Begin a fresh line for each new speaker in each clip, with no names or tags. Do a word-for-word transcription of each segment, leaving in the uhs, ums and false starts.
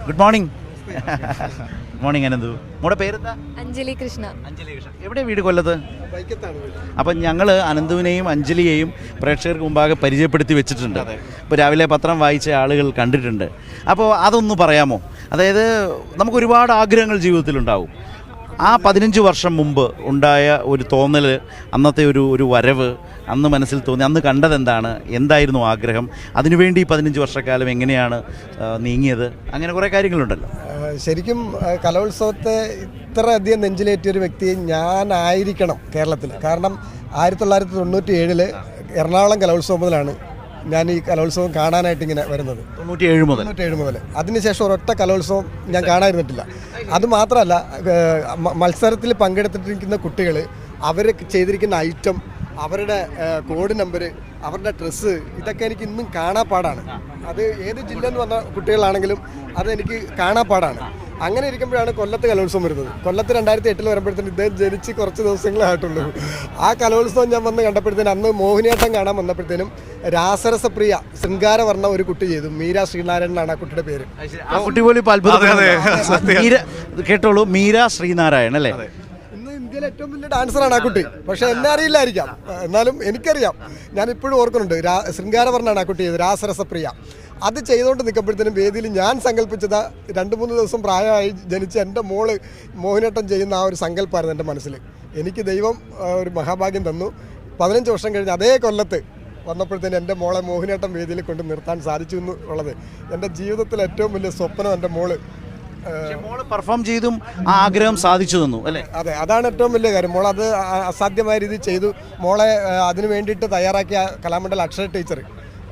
Good morning. Morning Ananthu. മോടെ പേരെന്താ?
അഞ്ജലി കൃഷ്ണ.
അഞ്ജലി കൃഷ്ണ. എവിടെ വീട്? കൊല്ലത്ത്. അപ്പം ഞങ്ങൾ അനന്തുവിനെയും അഞ്ജലിയെയും പ്രേക്ഷകർക്ക് മുമ്പാകെ പരിചയപ്പെടുത്തി വെച്ചിട്ടുണ്ട്. ഇപ്പോൾ രാവിലെ പത്രം വായിച്ച ആളുകൾ കണ്ടിട്ടുണ്ട്. അപ്പോൾ അതൊന്ന് പറയാമോ? അതായത് നമുക്ക് ഒരുപാട് ആഗ്രഹങ്ങൾ ജീവിതത്തിലുണ്ടാവും. ആ പതിനഞ്ച് വർഷം മുമ്പ് ഉണ്ടായ ഒരു തോന്നൽ, അന്നത്തെ ഒരു ഒരു വരവ്, അന്ന് മനസ്സിൽ തോന്നി, അന്ന് കണ്ടതെന്താണ്, എന്തായിരുന്നു ആഗ്രഹം, അതിനുവേണ്ടി പതിനഞ്ച് വർഷക്കാലം എങ്ങനെയാണ് നീങ്ങിയത്, അങ്ങനെ കുറേ കാര്യങ്ങളുണ്ടല്ലോ.
ശരിക്കും കലോത്സവത്തെ ഇത്രയധികം നെഞ്ചിലേറ്റിയ ഒരു വ്യക്തി ഞാനായിരിക്കണം കേരളത്തിൽ. കാരണം ആയിരത്തി തൊള്ളായിരത്തി തൊണ്ണൂറ്റി ഏഴില് എറണാകുളം കലോത്സവം മുതലാണ് ഞാൻ ഈ കലോത്സവം കാണാനായിട്ട് ഇങ്ങനെ വരുന്നത്.
തൊണ്ണൂറ്റി ഏഴ് മുതൽ
തൊണ്ണൂറ്റി ഏഴ് മുതൽ അതിനുശേഷം ഒരൊറ്റ കലോത്സവം ഞാൻ കാണാതിരുന്നിട്ടില്ല. അതുമാത്രമല്ല, മത്സരത്തിൽ പങ്കെടുത്തിട്ടിരിക്കുന്ന കുട്ടികൾ അവർ ചെയ്തിരിക്കുന്ന ഐറ്റം, അവരുടെ കോഡ് നമ്പർ, അവരുടെ ഡ്രസ്സ്, ഇതൊക്കെ എനിക്ക് ഇന്നും കാണാപ്പാടാണ്. അത് ഏത് ജില്ലയിൽ നിന്ന് വന്ന കുട്ടികളാണെങ്കിലും അതെനിക്ക് കാണാപ്പാടാണ്. അങ്ങനെ ഇരിക്കുമ്പോഴാണ് കൊല്ലത്ത് കലോത്സവം വരുന്നത്. കൊല്ലത്ത് രണ്ടായിരത്തി എട്ടിൽ വരുമ്പോഴത്തേന് ഇദ്ദേഹം ജനിച്ച് കുറച്ച് ദിവസങ്ങളേ ആയിട്ടുള്ളൂ. ആ കലോത്സവം ഞാൻ വന്ന് കണ്ടപ്പോഴത്തേനും, അന്ന് മോഹിനിയാട്ടം കാണാൻ വന്നപ്പോഴത്തേനും രാസരസപ്രിയ ശൃംഗാരവർണ്ണ ഒരു കുട്ടി ചെയ്തു. മീര ശ്രീനാരായണൻ എന്നാണ് ആ കുട്ടിയുടെ പേര്.
ആ കുട്ടി പോലും ഇപ്പോൾ അത്ഭുതം. കേട്ടോളൂ, മീര ശ്രീനാരായണൻ അല്ലേ?
ഇന്ന് ഇന്ത്യയിലെ ഏറ്റവും വലിയ ഡാൻസറാണ് ആ കുട്ടി. പക്ഷെ എന്നെ അറിയില്ലായിരിക്കാം, എന്നാലും എനിക്കറിയാം. ഞാൻ ഇപ്പോഴും ഓർക്കുന്നുണ്ട്. രാ ശൃംഗാരവർണ്ണാണ് ആ കുട്ടി ചെയ്തത്, രാസരസപ്രിയ. അത് ചെയ്തുകൊണ്ട് നിൽക്കുമ്പോഴത്തേനും വേദിയിൽ ഞാൻ സങ്കല്പിച്ചത് രണ്ട് മൂന്ന് ദിവസം പ്രായമായി ജനിച്ച എൻ്റെ മോള് മോഹിനിയാട്ടം ചെയ്യുന്ന ആ ഒരു സങ്കല്പമായിരുന്നു എൻ്റെ മനസ്സിൽ. എനിക്ക് ദൈവം ഒരു മഹാഭാഗ്യം തന്നു. പതിനഞ്ച് വർഷം കഴിഞ്ഞ് അതേ കൊല്ലത്ത് വന്നപ്പോഴത്തേനും എൻ്റെ മോളെ മോഹിനിയാട്ടം വേദിയിൽ കൊണ്ട് നിർത്താൻ സാധിച്ചു എന്നുള്ളത് എൻ്റെ ജീവിതത്തിലെ ഏറ്റവും വലിയ സ്വപ്നം. എൻ്റെ മോള്
മോള് പെർഫോം ചെയ്തും ആ ആഗ്രഹം സാധിച്ചു തന്നു അല്ലേ?
അതെ, അതാണ് ഏറ്റവും വലിയ കാര്യം. മോൾ അത് അസാധ്യമായ രീതിയിൽ ചെയ്തു. മോളെ അതിന് വേണ്ടിയിട്ട് തയ്യാറാക്കിയ കലാമണ്ഡലം അക്ഷര ടീച്ചർ,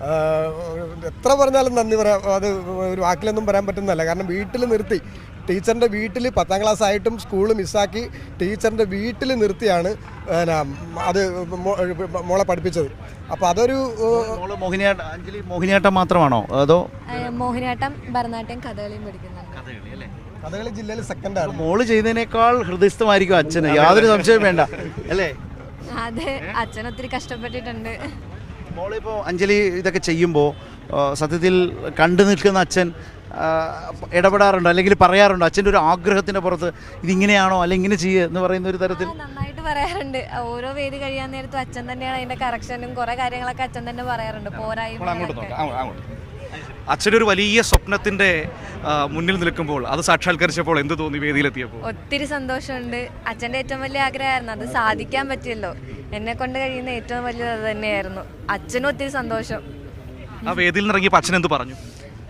എത്ര പറഞ്ഞാലും നന്ദി പറയാം, അത് ഒരു വാക്കിലൊന്നും പറയാൻ പറ്റുന്നതല്ല. കാരണം വീട്ടിൽ നിർത്തി, ടീച്ചറിൻ്റെ വീട്ടിൽ പത്താം ക്ലാസ് ആയിട്ടും സ്കൂൾ മിസ്സാക്കി ടീച്ചറിൻ്റെ വീട്ടിൽ നിർത്തിയാണ് അത് മോളെ പഠിപ്പിച്ചത്. അപ്പോൾ അതൊരു
മോഹിനിയാട്ടം. അഞ്ജലി മോഹിനിയാട്ടം മാത്രമാണോ അതോ?
മോഹിനിയാട്ടം, ഭരതനാട്യം, കഥകളിയും പഠിക്കുന്നുണ്ട്.
കഥകളി ജില്ലയിൽ സെക്കൻഡാണ്.
മോള് ചെയ്തതിനേക്കാൾ ഹൃദയസ്ഥമായിരിക്കും അച്ഛന്, യാതൊരു സംശയവും വേണ്ട അല്ലേ?
അതെ, അച്ഛൻ ഒത്തിരി കഷ്ടപ്പെട്ടിട്ടുണ്ട്.
മോളിപ്പോൾ അഞ്ജലി ഇതൊക്കെ ചെയ്യുമ്പോൾ സത്യത്തിൽ കണ്ടു നിൽക്കുന്ന അച്ഛൻ ഇടപെടാറുണ്ടോ, അല്ലെങ്കിൽ പറയാറുണ്ടോ അച്ഛൻ്റെ ഒരു ആഗ്രഹത്തിൻ്റെ പുറത്ത് ഇതിങ്ങനെയാണോ അല്ലെങ്കിൽ ഇങ്ങനെ ചെയ്യുക എന്ന് പറയുന്ന ഒരു തരത്തിൽ?
നന്നായിട്ട് പറയാറുണ്ട്. ഓരോ വേദി കഴിയാൻ നേരത്തും അച്ഛൻ തന്നെയാണ് അതിൻ്റെ കറക്ഷനും കുറേ കാര്യങ്ങളൊക്കെ അച്ഛൻ തന്നെ പറയാറുണ്ട്. പോരായ്മ
അച്ഛനൊരു വലിയ സ്വപ്നത്തിന്റെ മുന്നിൽ നിൽക്കുമ്പോൾ അത് സാക്ഷാത്കരിച്ചപ്പോൾ എന്ത് തോന്നി വേദിയിലെത്തിയപ്പോൾ?
ഒത്തിരി സന്തോഷമുണ്ട്. അച്ഛൻ്റെ ഏറ്റവും വലിയ ആഗ്രഹമായിരുന്നു, അത് സാധിക്കാൻ പറ്റിയല്ലോ. എന്നെ കൊണ്ട് കഴിയുന്ന ഏറ്റവും വലിയത് അത് തന്നെയായിരുന്നു. അച്ഛനും ഒത്തിരി സന്തോഷം.
ആ വേദിയിൽ നിന്ന് ഇറങ്ങിയപ്പോൾ അച്ഛൻ എന്ത് പറഞ്ഞു?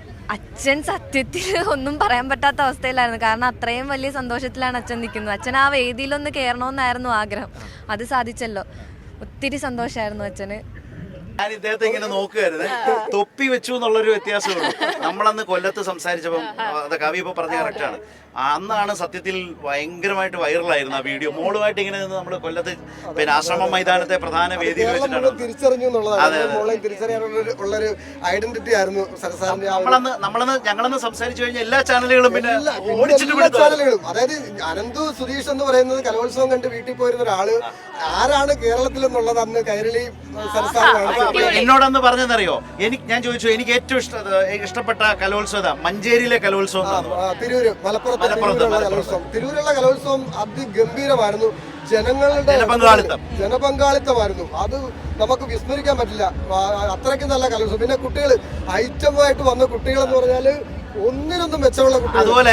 അച്ഛൻ സത്യത്തിൽ ഒന്നും പറയാൻ പറ്റാത്ത അവസ്ഥയിലായിരുന്നു. കാരണം അത്രയും വലിയ സന്തോഷത്തിലാണ് അച്ഛൻ നിൽക്കുന്നത്. അച്ഛൻ ആ വേദിയിലൊന്ന് കയറണമെന്നായിരുന്നു ആഗ്രഹം, അത് സാധിച്ചല്ലോ. ഒത്തിരി സന്തോഷമായിരുന്നു അച്ഛന്.
ഞാൻ ഇദ്ദേഹത്തെ ഇങ്ങനെ നോക്കുകയായിരുന്നു. തൊപ്പി വെച്ചു എന്നുള്ളൊരു വ്യത്യാസമുള്ളൂ. നമ്മളന്ന് കൊല്ലത്ത് സംസാരിച്ചപ്പം അത് കവി ഇപ്പോൾ പറഞ്ഞ കറക്റ്റാണ്. അന്നാണ് സത്യത്തിൽ ഭയങ്കരമായിട്ട് വൈറലായിരുന്നു ആ വീഡിയോ. മോളുമായിട്ട് ഇങ്ങനെ നിന്ന് നമ്മൾ കൊല്ലത്ത് പിന്നെ ആശ്രമം മൈതാനത്തെ പ്രധാന വേദിയിൽ വെച്ചിട്ടാണ്
തിരിച്ചറിഞ്ഞു എന്നുള്ളതാണ്. തിരിച്ചറിയാനുള്ളൊരു ഐഡന്റിറ്റി ആയിരുന്നു
നമ്മളന്ന് നമ്മളന്ന് ഞങ്ങളന്ന് സംസാരിച്ചു കഴിഞ്ഞാൽ എല്ലാ ചാനലുകളും പിന്നെ
ചാനലുകളും. അതായത് അനന്തു സുധീഷ് എന്ന് പറയുന്നത് കലോത്സവം കണ്ട് വീട്ടിൽ പോയിരുന്ന ഒരാള് ആരാണ് കേരളത്തിൽ എന്നുള്ളത് അന്ന് കൈരളി സംസ്ഥാനമാണ്.
എന്നോടന്ന് പറഞ്ഞെന്നറിയോ, എനിക്ക് ഞാൻ ചോദിച്ചു എനിക്ക് ഏറ്റവും ഇഷ്ട ഇഷ്ടപ്പെട്ട കലോത്സവം മഞ്ചേരിയിലെ കലോത്സവം,
തിരൂര്, മലപ്പുറത്ത് കലോത്സവം. തിരൂരുള്ള കലോത്സവം അതിഗംഭീരമായിരുന്നു. ജനങ്ങളുടെ ജനപങ്കാളിത്തം ജനപങ്കാളിത്തമായിരുന്നു. അത് നമുക്ക് വിസ്മരിക്കാൻ പറ്റില്ല. അത്രയ്ക്ക് നല്ല കലോത്സവം. പിന്നെ കുട്ടികൾ ഐറ്റമായിട്ട് വന്ന കുട്ടികൾ എന്ന് പറഞ്ഞാല് ഒന്നിനൊന്നും മെച്ചമുള്ള കുട്ടികൾ.
അതുപോലെ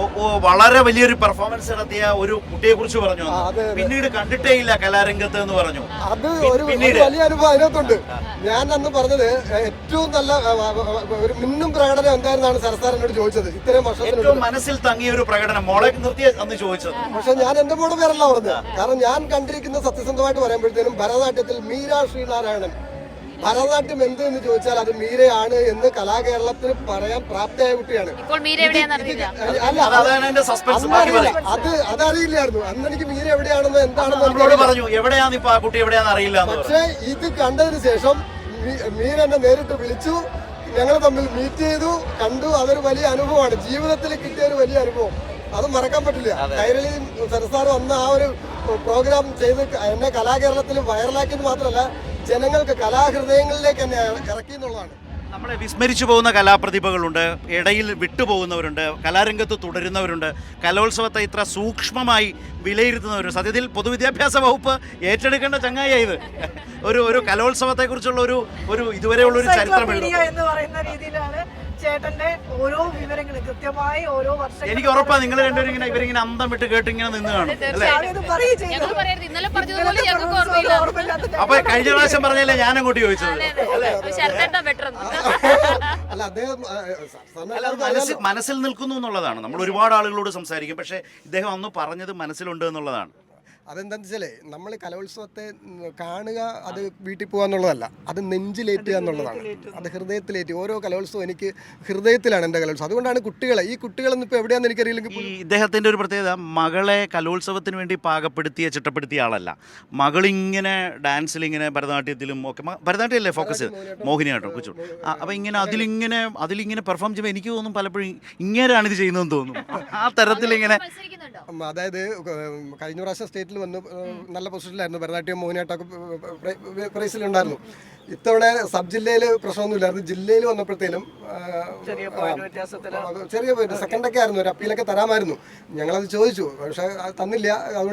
വളരെ വലിയൊരു പെർഫോമൻസ് നടത്തിയ ഒരു കുട്ടിയെ കുറിച്ച് പറഞ്ഞു, പിന്നീട് കണ്ടിട്ടേ ഇല്ല കലാരംഗത്ത് എന്ന് പറഞ്ഞു.
അത് ഒരു വലിയ അനുഭവം അതിനകത്തുണ്ട്. ഞാൻ അന്ന് പറഞ്ഞത് ഏറ്റവും നല്ല ഒരു മിന്നും പ്രകടനം എന്തായിരുന്നാണ് സരസാർ എന്നോട് ചോദിച്ചത്. ഇത്രയും വർഷത്തിന്
മനസ്സിൽ തങ്ങിയ ഒരു പ്രകടനം മോളെ നിർത്തി അന്ന് ചോദിച്ചത്.
പക്ഷെ ഞാൻ എന്റെ മോടെ പേരല്ല പറഞ്ഞത്. കാരണം ഞാൻ കണ്ടിരിക്കുന്ന സത്യസന്ധമായിട്ട് പറയുമ്പോഴത്തേനും ഭരതനാട്യത്തിൽ മീര ശ്രീനാരായണൻ, ഭരതനാട്യം എന്ത് എന്ന് ചോദിച്ചാൽ അത് മീരയാണ് എന്ന് കലാകേരളത്തിൽ പറയാൻ പ്രാപ്തയായ കുട്ടിയാണ്. അത് അതറിയില്ലായിരുന്നു അന്ന് എനിക്ക് മീര എവിടെയാണെന്ന് എന്താണെന്ന്
പറഞ്ഞു. എവിടെയാണ് ഇപ്പൊ ആ കുട്ടി എവിടെയാണെന്ന് അറിയില്ല.
പക്ഷേ ഇത് കണ്ടതിന് ശേഷം മീര എന്നെ നേരിട്ട് വിളിച്ചു, ഞങ്ങൾ തമ്മിൽ മീറ്റ് ചെയ്തു, കണ്ടു. അതൊരു വലിയ അനുഭവമാണ്, ജീവിതത്തിൽ കിട്ടിയ ഒരു വലിയ അനുഭവം. അത് മറക്കാൻ പറ്റില്ല. കൈരളി സരസാർ വന്ന ആ ഒരു പ്രോഗ്രാം ചെയ്ത് എന്നെ കലാകേരളത്തിൽ വൈറലാക്കിയത് മാത്രമല്ല ജനങ്ങൾക്ക് കലാഹൃദയങ്ങളിലേക്ക് തന്നെ ഇറക്കി എന്നുള്ളതാണ്.
നമ്മളെ വിസ്മരിച്ചു പോകുന്ന കലാപ്രതിഭകളുണ്ട്, ഇടയിൽ വിട്ടുപോകുന്നവരുണ്ട്, കലാരംഗത്ത് തുടരുന്നവരുണ്ട്, കലോത്സവത്തെ ഇത്ര സൂക്ഷ്മമായി വിലയിരുത്തുന്നവരുണ്ട്. സത്യത്തിൽ പൊതുവിദ്യാഭ്യാസ വകുപ്പ് ഏറ്റെടുക്കേണ്ട ചങ്ങായി ഇത്. ഒരു ഒരു കലോത്സവത്തെക്കുറിച്ചുള്ള ഒരു ഒരു ഇതുവരെയുള്ള ഒരു ചരിത്രം എഴുതും
എന്ന് പറയുന്ന രീതിയിലാണ് ചേട്ടന്റെ ഓരോ വിവരങ്ങളും കൃത്യമായി ഓരോ വർഷം
എനിക്ക് ഉറപ്പാണ് നിങ്ങൾ രണ്ടുപേരും ഇങ്ങനെ ഇവരിങ്ങനെ അന്തം വിട്ട് കേട്ട് ഇങ്ങനെ നിന്ന് കാണും അല്ലേ? അപ്പൊ കഴിഞ്ഞ പ്രാവശ്യം പറഞ്ഞല്ലേ ഞാൻ അങ്ങോട്ട് ചോദിച്ചത്.
അല്ല അദ്ദേഹം ആ, സാറിന്
അല്ല, അത് മനസ്സിൽ മനസ്സിൽ നിൽക്കുന്നു എന്നുള്ളതാണ്. നമ്മൾ ഒരുപാട് ആളുകളോട് സംസാരിക്കും, പക്ഷേ ഇദ്ദേഹം അന്ന് പറഞ്ഞത് മനസ്സിലുണ്ട് എന്നുള്ളതാണ്.
അതെന്താണെന്ന് വെച്ചാലേ നമ്മൾ കലോത്സവത്തെ ഉം, കാണുക, അത് വീട്ടിൽ പോകുക എന്നുള്ളതല്ല, അത് നെഞ്ചിലേറ്റുക എന്നുള്ളതാണ്. അത് ഹൃദയത്തിലേറ്റി ഓരോ കലോത്സവം എനിക്ക് ഹൃദയത്തിലാണ് എൻ്റെ കലോത്സവം. അതുകൊണ്ടാണ് കുട്ടികളെ ഈ കുട്ടികളൊന്നും ഇപ്പോൾ എവിടെയാണെന്ന് എനിക്കറിയില്ലെങ്കിൽ
ഈ ഇദ്ദേഹത്തിൻ്റെ ഒരു പ്രത്യേകത, മകളെ കലോത്സവത്തിന് വേണ്ടി പാകപ്പെടുത്തിയ ചിട്ടപ്പെടുത്തിയ ആളല്ല. മകളിങ്ങനെ ഡാൻസിലിങ്ങനെ ഭരതനാട്യത്തിലും ഒക്കെ മ- ഭരതനാട്യമല്ലേ ഫോക്കസ് ചെയ്ത് മോഹിനിയാട്ടം കുച്ചു അപ്പോൾ ഇങ്ങനെ അതിലിങ്ങനെ അതിലിങ്ങനെ പെർഫോം ചെയ്യുമ്പോൾ എനിക്ക് തോന്നും പലപ്പോഴും ഇങ്ങനെയാണ് ഇത് ചെയ്യുന്നതെന്ന് തോന്നും. ആ തരത്തിലിങ്ങനെ
ഉം, അതായത് ഉം, കഴിഞ്ഞ പ്രാവശ്യം സ്റ്റേറ്റിൽ വന്ന് ഉം, നല്ല പൊസിഷനിലായിരുന്നു. ഭരതനാട്യം മോഹിനിയാട്ടമൊക്കെ പ്രൈസിലുണ്ടായിരുന്നു. ഇത്തവണ സബ് ജില്ലയിൽ പ്രശ്നമൊന്നുമില്ലായിരുന്നു. ജില്ലയിൽ വന്നപ്പോഴത്തേലും ആ, ആ, ചെറിയ സെക്കൻഡൊക്കെ ആയിരുന്നു, ഒരു അപ്പീലൊക്കെ തരാമായിരുന്നു. ഞങ്ങളത് ചോദിച്ചു, പക്ഷേ അത് തന്നില്ല. അതുകൊണ്ട്